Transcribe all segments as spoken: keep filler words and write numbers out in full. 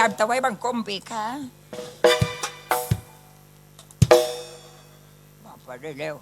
ราบถวายบังคมปีค่ะมาไปได้เร็ว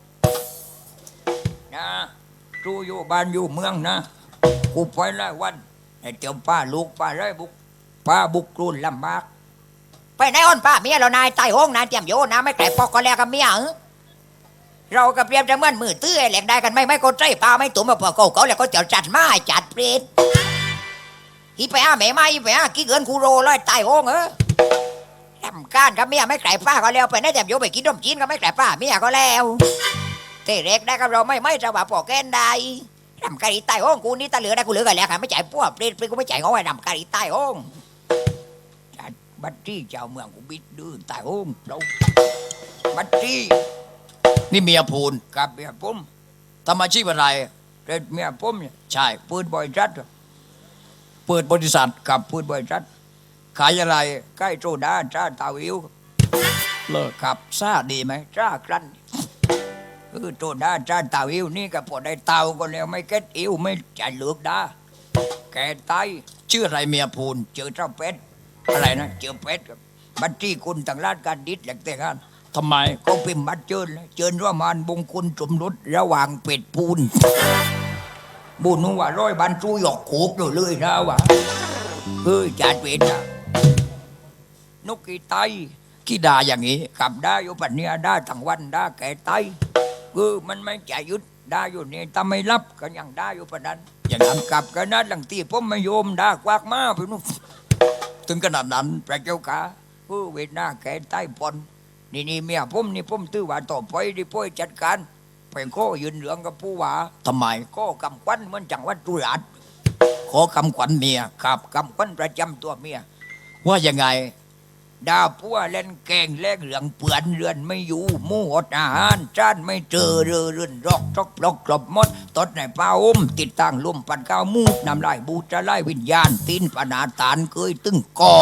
นะจูอยู่บ้านอยู่เมืองนะกูไปหลายวันไอ้เจ้าป้าลูกป้าไรบุกป้าบุกกรุนลำบากไปไหนอ้อนป้าเมียเรานายตายห้องนายเตรียมโยนะไม่แกล้ปอกก็แล้วกับเมียเรากับเปรียบจะเหมือนมือตื้อแหลกได้กันไม่ไม่ก็ใจป้าไม่ตุ้มมาพอเขาเขาแล้วก็จะจัดมาจัดเปรตอีไปอาแม่ไม่ไปอากี่เกินคูโรร้อยตายห้องเออทำการกับเมียไม่แกล้ป้าก็แล้วไปไหนเตรียมโยไปกินนมจีนก็ไม่แกล้ป้าเมียก็แล้วเตะเล็กได้กับเราไม่ไม่จะว่าปอกแกนได้ทำการอีตายห้องกูนี่ตาเหลือได้กูเหลือกันแล้วค่ะไม่จ่ายพวกเปรตเปรตกูไม่จ่ายงอไอ้ทำการอีตายห้องจัดบัตรที่เจ้าเมืองกูบิดดื้อตายห้องเราบัตรที่นี่เมียพูนกับเมียผมทำอาชีพอะไรเด็ดเมียผมเนี่ยใช่ปืนบอยจัดเปิดบริษัทกับปืนบอยจัดขายอะไรใกล้โซดาจ้าตาวิวเลิกกับซาดีไหมจ้ากรันคือโซดาจ้าตาวิวนี่กับพอได้เตาก็แล้วไม่เก็ตอิวไม่จะเลือกดาแกตายชื่ออะไรเมียพูนเจอเจ้าเป็ดอะไรนะเจอเป็ดกับบัตรที่คุณต่างราชการดิษแหลกแต่กันทำไมก็พิมพ์บัตรเชิญเลยเชิญว่ามานบงคุณสมรสระหว่างเป็ดปูนบุญว่าร้อยบันจูหยอกโขกเลยเลยนะวะเฮ้ยจัดเป็ดนะนกกีไตขี้ดาอย่างนี้กับได้อยู่ปัจเนียได้ทั้งวันได้แก่ไตคือมันไม่จะยุดได้อยู่นี่ถ้าไม่รับก็ยังได้อยู่ปัจนั้นอย่างนั้นกับกันนั้นหลังตีผมไม่โยมได้กวากมาไปนู่นถึงขนาดนั้นพระเจ้าค่ะเฮ้ยเวทนาแก่ไตปนนี่นี่เมียผมนี่ผมตื้อว่าต่อไปดิพ่อยจัดการไปข้อยืนเหลืองกับผู้ว่าทำไมก็กำควันเหมือนจังหวัดตุลาดขอกำขวัญเมียครับกำควันประจำตัวเมียว่ายังไงดาพัวเล่นแกงแลกเหลืองเปื่อนเรือนไม่อยู่มู่อดอาหารจานไม่เจอเรือเรือนรอกจอกปลอกกลบมดตดในป้าอุ้มติดตั้งลุ่มปันก้าวมูดนำลายบูจะไล่วิญญาณตีนปนาตานเคยตึงกอ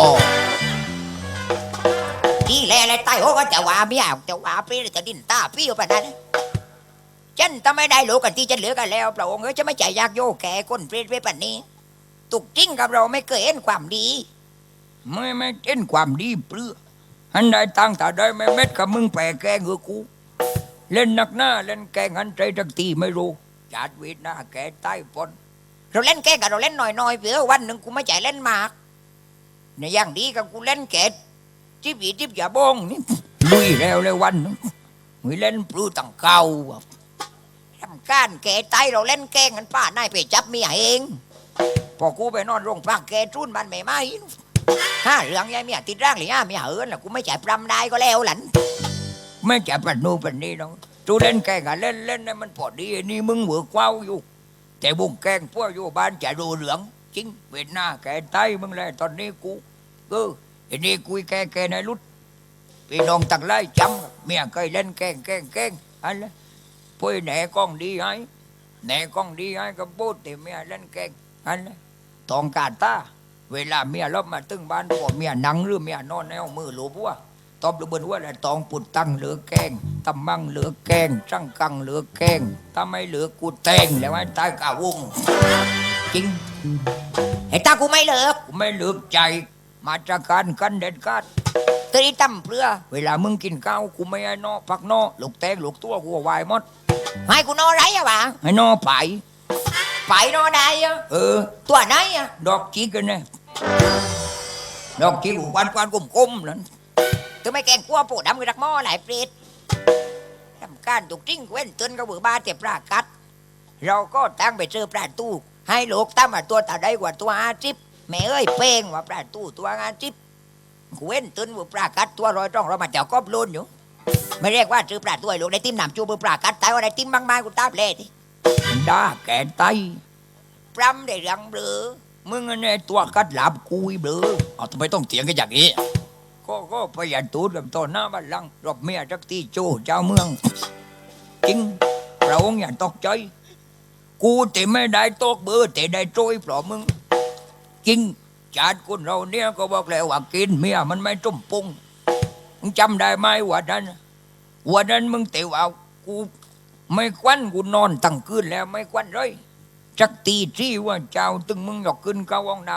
ที่แลอะไรใต้หัวก็จะว่าเมียจะว่าพี่จะดินตาพี่อยู่ปะนั้นฉันทำไม่ได้รู้กันที่ฉันเหลือกันแล้วพระองค์เอ้ยจะไม่ใจยากโยแก่คนเปรตไปปะนี้ตุกจริงกับเราไม่เคยเห็นความดีไม่ไม่เห็นความดีเปลือหันได้ตั้งแต่ได้ไม่เม็ดกับมึงแปรแกงเงือกูเล่นนักหน้าเล่นแกงหันใจทักทีไม่รู้จัดวิทหน้าแกใต้ปนเราเล่นแกงกับเราเล่นหน่อยๆเผื่อวันหนึ่งกูไม่ใจเล่นมากในอย่างดีกับกูเล่นแกจิบอีจิบอย่าบ้องนี่ลุยแล้วเลยวันนึงมีเล่นปลื้ตั้งเก่าทำการแกตายเราเล่นแกงกันป้านายไปจับเมียเองพอกูไปนอนโรงพักแกจุนมันไม่ไหมห้าเรื่องยายเมียติดร่างหรือห้าเมียเอิญล่ะกูไม่จ่ายปรำได้ก็แล้วหลันไม่จ่ายปรำนู่นปรำนี่น้องจูเล่นแกงกันเล่นเล่นนี่มันพอดีนี่มึงเหมือกว้าวอยู่แต่บุ้งแกงพวกอยู่บ้านจ่ายดูเหลืองจริงเวทหน้าแกตายมึงเลยตอนนี้กูก็อันนี้คุยแกแกในรุดพี่น้องตั้งไล่จำเมียเคยเล่นแกงแกงแกงอะไรพูดแหนกล้องดีให้แหนกล้องดีให้ก็พูดแต่เมียเล่นแกงอะไรตองกาตาเวลาเมียลบมาตึงบ้านพวกเมียนั่งหรือเมียนอนในห้องมือหลูบัวตอบระเบิดว่าอะไรตองปุดตั้งเหลือแกงตำมั่งเหลือแกงจังกังเหลือแกงถ้าไม่เหลือกูแตงแล้วไอ้ตายกาวงจริงไอ้ตากูไม่เหลือกูไม่เหลือใจมาจากการกันเด็ดขาดตีตั้มเปลือเวลามึงกินข้าวกูไม่ให้นอผักนอลูกแตงลูกตัวกูวายหมดให้กูนอไรอะบ้าให้นอไปไปนอได้อะเออตัวไหนอะดอกจีกันเนี่ยดอกจีกูวันวันกุมกุมนั่นตัวไม่แกงกลัวปูดำกับรักหม้อหลายเปรตทำการถูกจริงเว้นเตือนกับบือบาเจ็บปลากัดเราก็ตั้งไปเจอปลาตู้ให้ลูกตั้มตัวตาได้กว่าตัวอาจิบแม่เอ้ยเป้งว่าปลาตู้ตัวงานจิ๊บเว้นตื่นว่าปลากัดตัวรอยจ้องเรามาเจ้ากอบลุนอยู่ไม่เรียกว่าซื้อปลาตัวลูกได้ติ้มหนำจูบปลากัดตายว่าได้ติ้มบางไม้กูตาเปล่ดิด่าแกไตปรำได้รังเบลอมึงเนี่ยตัวกัดหลับกุยเบลอเอาทำไมต้องเถียงกันอย่างนี้ก็ก็ประหยัดตูดกับตอนหน้าบ้านลังรบเมียจักตีโจเจ้าเมืองจริงเราอย่าตกใจกูแต่ไม่ได้ตกเบอร์แต่ได้โจยเพราะมึงจริงชาติคนเราเนี่ยก็บอกแล้วว่ากินเมียมันไม่ต้มปุงมึงจำได้ไหมวันนั้นวันนั้นมึงเตะเอากูไม่ควันกูนอนตั้งคืนแล้วไม่ควันเลยจักตีที่ว่าเจ้าตึงมึงหยอกขึ้นเข้าห้องน้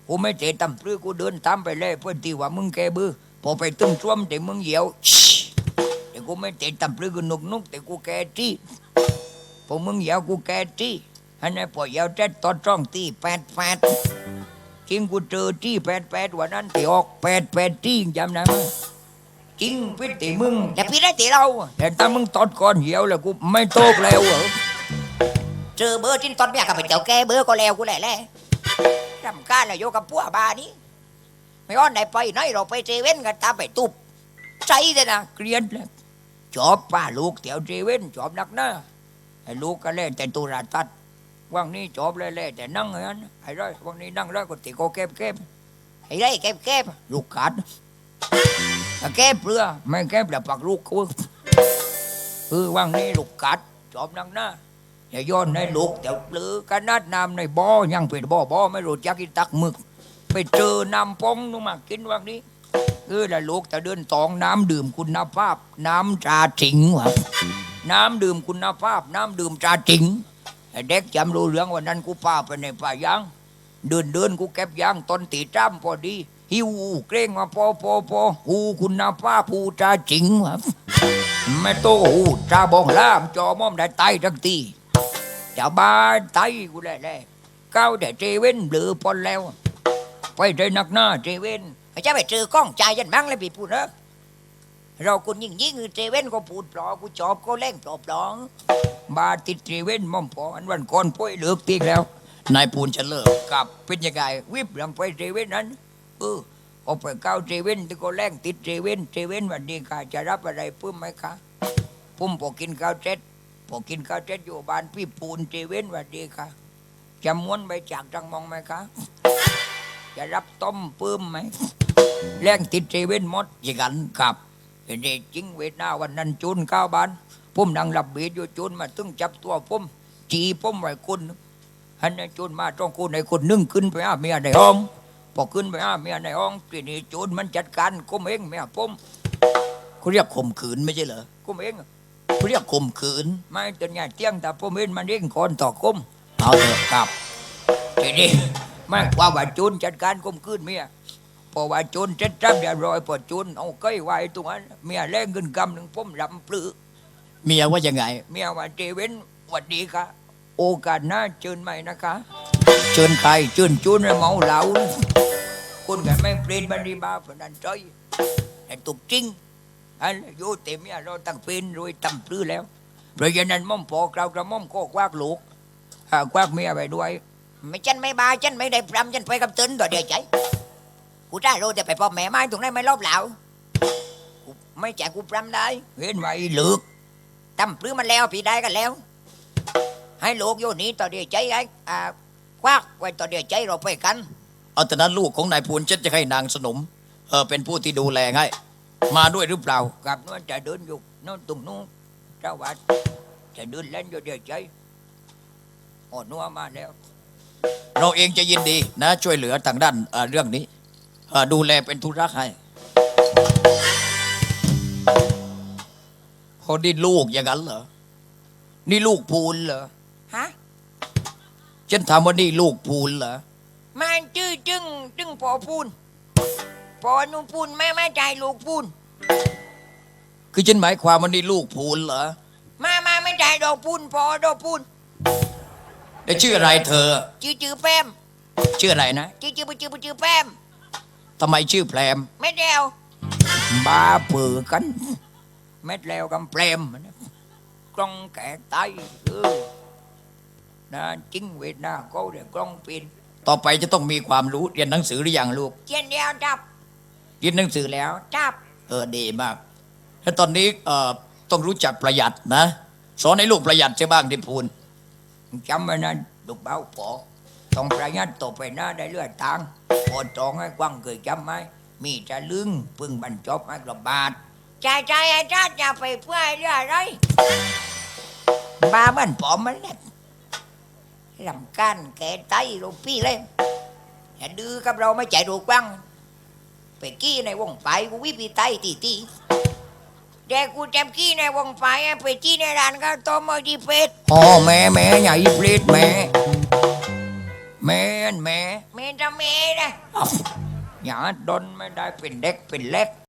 กูไม่เจตำปรือกูเดินตามไปเลยเพื่อนที่ว่ามึงแกบือพอไปตึ้งช่วมแต่มึงเหี่ยวแต่กูไม่เจตำปรือกูนุกนุกแต่กูแกจี้พอมึงเหี่ยวกูแกจี้อันนั้นพอเหี่ยวเจ็ดตอนจ้องตีแปดแปดจริงกูเจอจี้แปดแปดวันนั้นที่ออกแปดแปดจี้จำได้ไหมจริงพี่ตีมึงแต่พี่ได้ตีเราแต่ถ้ามึงตอดก่อนเหี่ยวแล้วกูไม่โตกแล้วเหรอเจอเบอร์จิ้นตอนเมียกับไปเจ้าแกเบอร์ก็แล้วกูแหละแหละรำคาญเลยโยกับพวกบานี้ไม่อ้อนไหนไปไหนเราไปเจเว่นกันตามไปตุบใจเลยนะเกลียดเลยจอบป้าลูกเตี๋ยวเจเว่นจอบนักหน้าไอ้ลูกก็เล่นแต่ตุลาตัดว่างนี้จอบเล่ๆแต่นั่งอย่างนั้นไอ้ร้อยว่างนี้นั่งร้อยก็ติโกเก็บเก็บไอ้ไรเก็บเก็บลูกขาดถ้าเก็บเรือไม่เก็บแล้วปักลูกกูคือว่างนี้ลูกกัดจอบนักหน้าอย่าย้อนในลูกเดี๋ยวหรือกันนัดน้ำในบ่อยังเป็นบ่อบ่อไม่รู้จักกินตักหมึกไปเจอน้ำปองนู่นมากินว่างนี้คือละลูกแต่เดินตองน้ำดื่มคุณภาพ น้ำตราจิงวะน้ำดื่มคุณภาพ น้ำดื่มตราจิงไอ้เด็กจำรู้เรื่องวันนั้นกูพาไปในป่ายางเดินเดินกูเก็บยางต้นตีจ้ำพอดีหิวเกรงมาพอพอพอหูคุณภาพหูตราจิงวะไม่โตหูตราบองล่ามจอม่อมได้ไตทั้งทีจะบ้าไตกูแหละแหละก้าวแต่เจเว่นหรือพอแล้วไปใจหนักหน้าเจเว่นไอ้เจ้าไปเจอกล้องใจยันมั่งเลยพี่พูดนะเราคุณยิ่งยิ่งเจเว่นก็พูดปลอกูจอบก็เล่งปลอบปลองบาติดเจเว่นม่อมพออันวันก่อนป่วยเลือกตีแล้วนายปูนจะเลิกกับเป็นยังไงวิบลำไปเจเว่นนั้นเออเอาไปก้าวเจเว่นที่ก็แล่งติดเจเว่นเจเว่นวันนี้ค่ะจะรับอะไรเพิ่มไหมคะพุ่มพอกินข้าวเจ็ดพอกินข้าวเจ็ดอยู่บ้านพี่ปูนเจเว่นวันนี้ค่ะจะม้วนไปจากจังมองไหมคะจะรับต้มปื้มไหมแรงติดเจเว่นหมดอย่างนั้นกับเห็นได้จริงเวทนาวันนั้นจูนข้าวบ้านพุ่มนั่งหลับเบียดอยู่จูนมาตึงจับตัวพุ่มจีพุ่มไว้คุณฮันนั้นจูนมาต้องคุณในคนนึ่งขึ้นไปหาเมียในห้องพอขึ้นไปหาเมียในห้องทีนี้จูนมันจัดการกุมเองเมียพุ่มเขาเรียกข่มขืนไม่ใช่เหรอกุมเองเขาเรียกข่มขืนไม่จนเนี่ยเที่ยงแต่พุ่มเองมันเร่งคนต่อกุมเอาเถอะครับทีนี้ไม่ว่าว่าจูนจัดการกุมขึ้นเมียพอว่าจูนเจ็ดจับเรียบร้อยพอจูนเอาเก้ยไว้ตรงนั้นเมียแรงขึ้นกำหนึ่งพุ่มลำปลื้อเมียว่ายังไงเมียว่าเจเว้นหวัดดีค่ะโอกาสหน้าเชิญใหม่นะคะเชิญใครเชิญจูนให้เมาเหล้าคุณกันไม่เปลี่ยนบันดีบาฝันนันใจแต่ตุกจริงอันโยเต็มเมียเราตั้งเป็นรวยตั้งปลื้อแล้วเพราะฉะนั้นม่อมพอกเรากระม่อมก็ควักลูกอ่าควักเมียไปด้วยไม่ฉันไม่บาฉันไม่ได้พรำฉันไปกับตึนต่อเดียวใจกูได้รู้แต่ไปพอแม่ไม้ตรงนั้นไม่รอบเหล่ากูไม่แจกกูพรำได้เห็นไหมเหลือกตั้มปลื้มมันแล้วพี่ได้กันแล้วให้ลูกโยนี้ต่อเดียวใจไอ้อ่าควักไว้ต่อเดียวใจเราไปกันเอาแต่นั้นลูกของนายปูนเจ็ดจะให้นางสนมเออเป็นผู้ที่ดูแลให้มาด้วยหรือเปล่ากับนู้นจะเดินอยู่นู้นตรงนู้นเจ้าวัดจะเดินเล่นอยู่เดียวใจอ่อนนัวมาแล้วเราเองจะยินดีนะช่วยเหลือทางด้านเอ่อเรื่องนี้เอ่อดูแลเป็นธุระให้เขานี่ลูกอย่างนั้นเหรอนี่ลูกพูนเหรอฮะฉันถามว่านี่ลูกพูนเหรอมันชื่อจึงจึงพอพูนพอนุ่พูนแม่แม่ใจลูกพูนคือฉันหมายความว่านี่ลูกพูนเหรอมามาไม่ใจดอกพูนพอดอกพูนได้ชื่ออะไรเธอชื่อชื่อแป้มชื่ออะไรนะชื่อชื่อชื่อชื่อแป้มทำไมชื่อแพรมไม่เดียวบาเปือกันเม็ดแล้วกำแปรมกล้องแกะไตเออนะจริงเวทนาก็เดี๋ยวกล้องปินต่อไปจะต้องมีความรู้เรียนหนังสือหรือยังลูกเจียนเดียวจับเรียนหนังสือแล้วจับเออดีมากแล้วตอนนี้เอ่อต้องรู้จักประหยัดนะ สอนให้ลูกประหยัดใช่บ้างที่พูนจำไว้นะลูกเบาปอต้องประหยัดต่อไปหน้าได้เลือดทางพอตองให้กว้างเคยจำไหมมีจะลึงพึ่งบรรจบให้กระบาดใจใจไอ้จ้าจะไปเพื่อเรื่องอะไรบ้ามันปอมมันเนี่ยลำกันแกไตลูกพี่เลยอย่าดื้อกับเราไม่ใจดูกว้างไปกี้ในวงไฟกูวิปีไตตีตีเด็กกูจำกี้ในวงไฟไปจี้ในร้านก็ต้มมาดีเป็ดอ๋อแม่แม่ใหญ่ปลีดแม่แม่นแม่แม่จะแม่นะอ้าวอย่าดนไม่ได้เป็นเด็กเป็นเล็ก